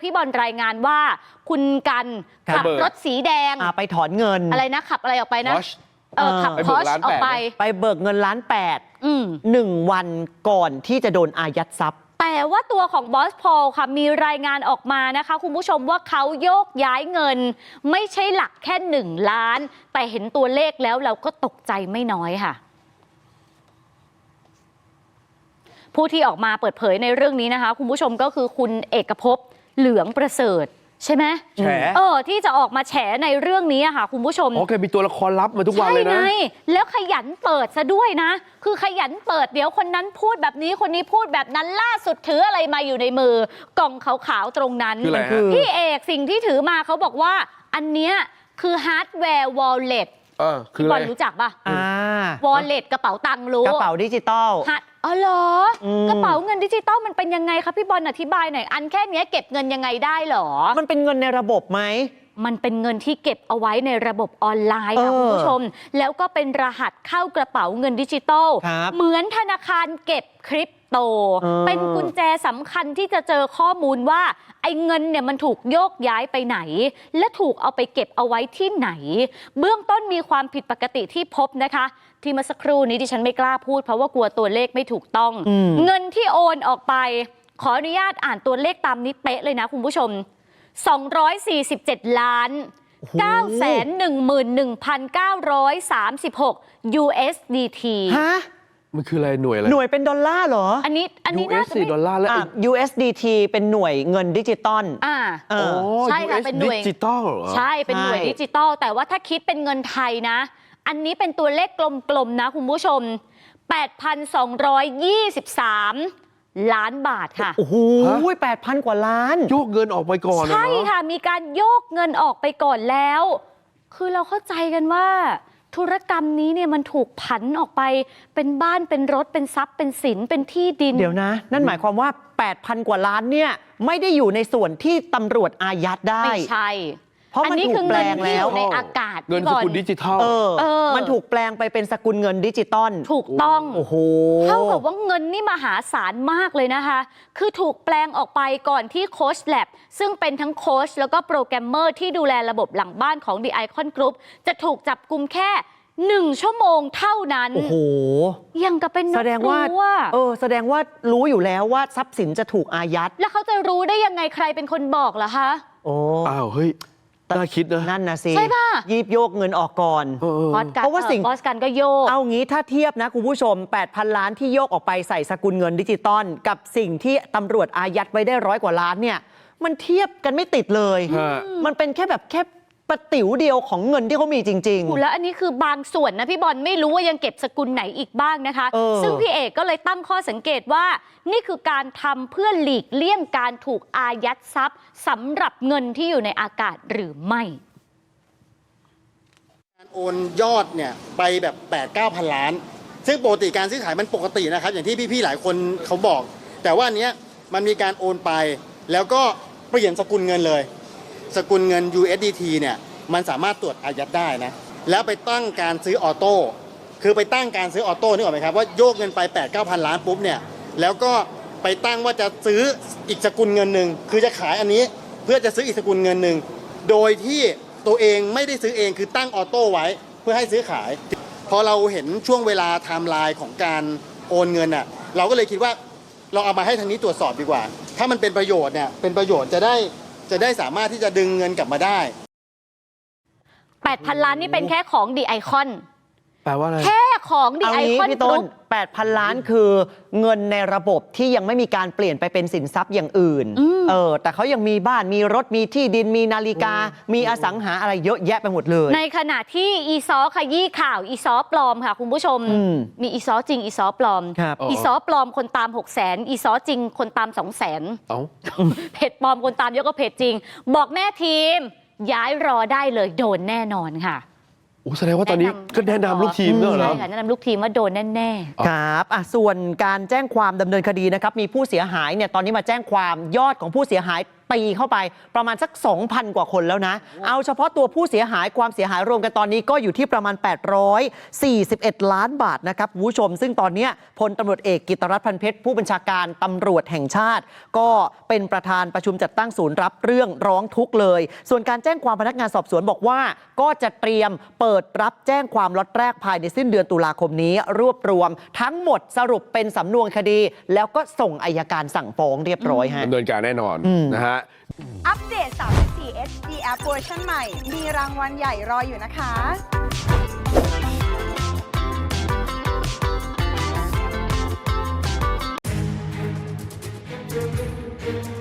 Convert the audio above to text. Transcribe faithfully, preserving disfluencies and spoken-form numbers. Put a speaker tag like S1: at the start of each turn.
S1: พี่บอลรายงานว่าคุณกันขับรถสีแดง
S2: ไปถอนเงิน
S1: อะไรนะขับอะไรออกไปนะเออขับพอชออกไป
S2: ไปเบิกเงินล้านแปดหนึ่งวันก่อนที่จะโดนอายัดทรัพย์
S1: แต่ว่าตัวของบอสพอลค่ะมีรายงานออกมานะคะคุณผู้ชมว่าเขาโยกย้ายเงินไม่ใช่หลักแค่หนึ่งล้านแต่เห็นตัวเลขแล้วเราก็ตกใจไม่น้อยค่ะผู้ที่ออกมาเปิดเผยในเรื่องนี้นะคะคุณผู้ชมก็คือคุณเอกภพเหลืองประเสริฐใช่ไหม
S3: แฉ
S1: เออที่จะออกมาแฉในเรื่องนี้ค่ะคุณผู้ชม
S3: อ๋อแกมีตัวละครลับมาทุกวันเลยนะ
S1: ใช่ไงแล้วขยันเปิดซะด้วยนะคือขยันเปิดเดี๋ยวคนนั้นพูดแบบนี้คนนี้พูดแบบนั้นล่าสุดถืออะไรมาอยู่ในมือกล่องขาวๆตรงนั้นพี่เอกสิ่งที่ถือมาเขาบอกว่าอันเนี้ยคือฮาร์ดแวร์วอลเล็ต
S3: เออคืออะไร
S1: รู้จักป่ะ
S2: อ่
S1: าวอลเล็ตกระเป๋าตังค์รู้
S2: กระเป๋าดิจิตอล
S1: อ๋อเหรอกระเป๋าเงินดิจิตอลมันเป็นยังไงครับพี่บอลอธิบายหน่อยอันแค่นี้เก็บเงินยังไงได้หรอ
S2: มันเป็นเงินในระบบไหม
S1: มันเป็นเงินที่เก็บเอาไว้ในระบบออนไลน์ค่ะคุณผู้ชมแล้วก็เป็นรหัสเข้ากระเป๋าเงินดิจิตอลเหมือนธนาคารเก็บคริปโตเป็นกุญแจสำคัญที่จะเจอข้อมูลว่าไอ้เงินเนี่ยมันถูกโยกย้ายไปไหนและถูกเอาไปเก็บเอาไว้ที่ไหนเบื้องต้นมีความผิดปกติที่พบนะคะที่เมื่อสักครู่นี้ดิฉันไม่กล้าพูดเพราะว่ากลัวตัวเลขไม่ถูกต้องเงินที่โอนออกไปขออนุญาตอ่านตัวเลขตามนี้เป๊ะเลยนะคุณผู้ชมสองร้อยสี่สิบเจ็ดล้าน เก้าแสนหนึ่งหมื่นหนึ่งพันเก้าร้อยสามสิบหก ยู เอส ดี ที
S2: ฮะ
S3: มันคืออะไรหน่วยอะไร
S2: หน่วยเป็นดอลลาร์เหรอ
S1: อันนี้อันนี้น่าจะ
S3: เป็นดอลลาร์แล้ว
S2: ยู เอส ดี ที เป็นหน่วยเงินดิจิตอล
S1: อ่า
S3: โอ้
S1: ใช่ค่ะเป็นหน่วย
S3: ดิจิตอลเหรอ
S1: ใช่เป็นหน่วยดิจิตอลแต่ว่าถ้าคิดเป็นเงินไทยนะอันนี้เป็นตัวเลขกลมๆนะคุณผู้ชม แปดพันสองร้อยยี่สิบสาม ล้านบาทค่ะ
S2: โอ้โห แปดพัน กว่าล้าน
S3: โยกเงินออกไปก่อน
S1: ใช่ค่ะมีการโยกเงินออกไปก่อนแล้วคือเราเข้าใจกันว่าธุรกรรมนี้เนี่ยมันถูกผันออกไปเป็นบ้านเป็นรถเป็นทรัพย์เป็นสินเป็นที่ดิน
S2: เดี๋ยวนะนั่นหมายความว่า แปดพัน กว่าล้านเนี่ยไม่ได้อยู่ในส่วนที่ตำรวจอายัดได้
S1: ไม่ใช่
S2: เพราะมันถูกแปลงแล้ว
S1: ในอากาศ
S3: เงินสกุลดิจิทัล
S2: เออมันถูกแปลงไปเป็นสกุลเงินดิจิตอล
S1: ถูกต้อง
S2: โอ้โห
S1: เท่ากับว่าเงินนี่มหาศาลมากเลยนะคะคือถูกแปลงออกไปก่อนที่โค้ชแลบซึ่งเป็นทั้งโค้ชแล้วก็โปรแกรมเมอร์ที่ดูแลระบบหลังบ้านของ The Icon Group จะถูกจับกุมแค่หนึ่งชั่วโมงเท่านั้น
S2: โอ้โห
S1: ยังกับเป็น
S2: แสดงว่าเออแสดงว่ารู้อยู่แล้วว่าทรัพย์สินจะถูกอายัด
S1: แล้วเขาจะรู้ได้ยังไงใครเป็นคนบอกล่ะคะ
S2: โอ้
S3: อ้าวเฮ้ยน่าคิดนะ
S2: นั่นนะสิ
S1: ใช่ป่ะ
S2: ยีบโยกเงินออกก่อน
S1: เพราะว่าสิ่งบอสกันก็โยก
S2: เอางี้ถ้าเทียบนะคุณผู้ชม แปดพัน ล้านที่โยกออกไปใส่สกุลเงินดิจิตอลกับสิ่งที่ตำรวจอายัดไว้ได้ร้อยกว่าล้านเนี่ยมันเทียบกันไม่ติดเลยมันเป็นแค่แบบแค่ประติ๋วเดียวของเงินที่เขามีจริง
S1: ๆแล้วอันนี้คือบางส่วนนะพี่บอลไม่รู้ว่ายังเก็บสกุลไหนอีกบ้างนะคะซึ่งพี่เอกก็เลยตั้งข้อสังเกตว่านี่คือการทำเพื่อหลีกเลี่ยงการถูกอายัดทรัพย์สำหรับเงินที่อยู่ในอากาศหรือไม่
S4: การโอนยอดเนี่ยไปแบบ แปดเก้าพัน ล้านซึ่งปกติการซื้อขายมันปกตินะครับอย่างที่พี่ๆหลายคนเขาบอกแต่ว่าอันเนี้ยมันมีการโอนไปแล้วก็เปลี่ยนสกุลเงินเลยสกุลเงิน ยู เอส ดี ที เนี่ยมันสามารถตรวจอายัดได้นะแล้วไปตั้งการซื้อออโต้คือไปตั้งการซื้อออโต้นึกออกไหมครับว่าโยกเงินไป แปดเก้าพัน ล้านปุ๊บเนี่ยแล้วก็ไปตั้งว่าจะซื้ออีกสกุลเงินหนึ่งคือจะขายอันนี้เพื่อจะซื้ออีกสกุลเงินหนึ่งโดยที่ตัวเองไม่ได้ซื้อเองคือตั้งออโต้ไว้เพื่อให้ซื้อขายพอเราเห็นช่วงเวลาไทม์ไลน์ของการโอนเงินอ่ะเราก็เลยคิดว่าเราเอามาให้ทางนี้ตรวจสอบดีกว่าถ้ามันเป็นประโยชน์เนี่ยเป็นประโยชน์จะได้จะได้สามารถที่จะดึงเงินกลับมาได้
S1: แปดพัน ล้านนี่เป็นแค่ของ The Icon
S3: แปลว่าอะไร
S1: แค่ของ The Icon
S2: พี่ต้น แปดพัน ล้านคือเงินในระบบที่ยังไม่มีการเปลี่ยนไปเป็นสินทรัพย์อย่างอื่นเออแต่เขายังมีบ้านมีรถมีที่ดินมีนาฬิกามีอสังหาอะไรเยอะแยะไปหมดเลย
S1: ในขณะที่อีซอขยี้ข่าวอีซอปลอมค่ะคุณผู้ชมมีอีซอจริงอีซอปลอมอีซอปลอมคนตามหกแสนอีซอจริงคนตามสองแสนเพจปลอมคนตามเยอะก็เพจจริงบอกแม่ทีมย้ายรอได้เลยโดนแน่นอนค่ะ
S3: โอ้แสดงว่าตอนนี้ก็แนะนำลูกทีมด้วยเหรอ
S1: ใช่ค่ะแนะนำลูกทีมว่าโดนแน่
S2: ๆครับอ่ะส่วนการแจ้งความดำเนินคดีนะครับมีผู้เสียหายเนี่ยตอนนี้มาแจ้งความยอดของผู้เสียหายตีเข้าไปประมาณสัก สองพัน กว่าคนแล้วนะ เอาเฉพาะตัวผู้เสียหายความเสียหายรวมกันตอนนี้ก็อยู่ที่ประมาณ แปดร้อยสี่สิบเอ็ด ล้านบาทนะครับคุณผู้ชมซึ่งตอนนี้พลตำรวจเอกกิตติรัตน์พันเพชรผู้บัญชาการตำรวจแห่งชาติ ก็เป็นประธานประชุมจัดตั้งศูนย์รับเรื่องร้องทุกข์เลยส่วนการแจ้งความพนักงานสอบสวนบอกว่าก็จะเตรียมเปิดรับแจ้งความล็อตแรกภายในสิ้นเดือนตุลาคมนี้รวบรวมทั้งหมดสรุปเป็นสำนวนคดี แล้วก็ส่งอัยการสั่งฟ้องเรียบร้อยฮะ
S3: ดำเนินการแน่นอนนะฮะ
S5: อัปเดต สามสิบสี่ เอช ดี App เวอร์ชันใหม่ มีรางวัลใหญ่รออยู่นะคะ